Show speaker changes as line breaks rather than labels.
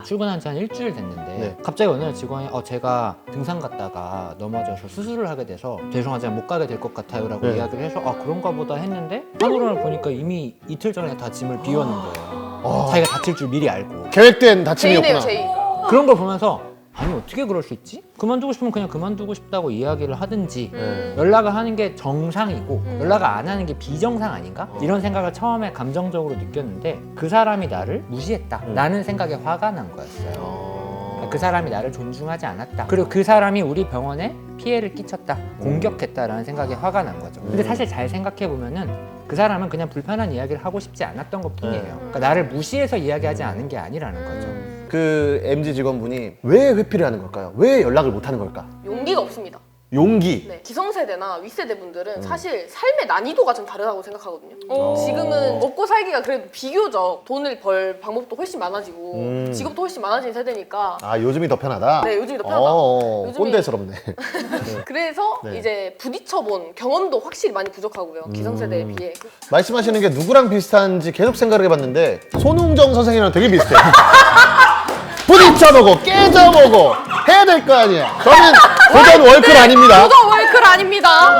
출근한 지 한 일주일 됐는데
네.
갑자기 어느 날 직원이 제가 등산 갔다가 넘어져서 수술을 하게 돼서 죄송하지만 못 가게 될 것 같아요 라고
네.
이야기를 해서 그런가 보다 했는데 하루를 보니까 이미 이틀 전에 다 짐을 비웠는 거예요. 자기가 다칠 줄 미리 알고.
계획된 다짐이었구나.
제이네요, 제이.
그런 걸 보면서 아니 어떻게 그럴 수 있지? 그만두고 싶으면 그냥 그만두고 싶다고 이야기를 하든지 연락을 하는 게 정상이고 연락을 안 하는 게 비정상 아닌가? 이런 생각을 처음에 감정적으로 느꼈는데 그 사람이 나를 무시했다 라는 생각에 화가 난 거였어요. 그 사람이 나를 존중하지 않았다. 그리고 그 사람이 우리 병원에 피해를 끼쳤다. 공격했다라는 생각에 화가 난 거죠. 근데 사실 잘 생각해 보면은 그 사람은 그냥 불편한 이야기를 하고 싶지 않았던 것 뿐이에요. 그러니까 나를 무시해서 이야기하지 않은 게 아니라는 거죠.
그 MZ 직원분이 왜 회피를 하는 걸까요? 왜 연락을 못 하는 걸까?
용기가 없습니다.
용기.
네, 기성세대나 윗세대 분들은 사실 삶의 난이도가 좀 다르다고 생각하거든요.
어.
지금은 먹고 살기가 그래도 비교적 돈을 벌 방법도 훨씬 많아지고 직업도 훨씬 많아진 세대니까
아, 요즘이 더 편하다?
네, 요즘이 더 편하다. 요즘이-
꼰대스럽네.
그래서
네.
이제 부딪혀본 경험도 확실히 많이 부족하고요. 기성세대에 비해.
말씀하시는 게 누구랑 비슷한지 계속 생각을 해봤는데 손흥정 선생이랑 되게 비슷해요. 부딪혀보고 깨져보고 해야 될 거 아니야. 저는 도전 월클 아닙니다.
도전 월클 아닙니다.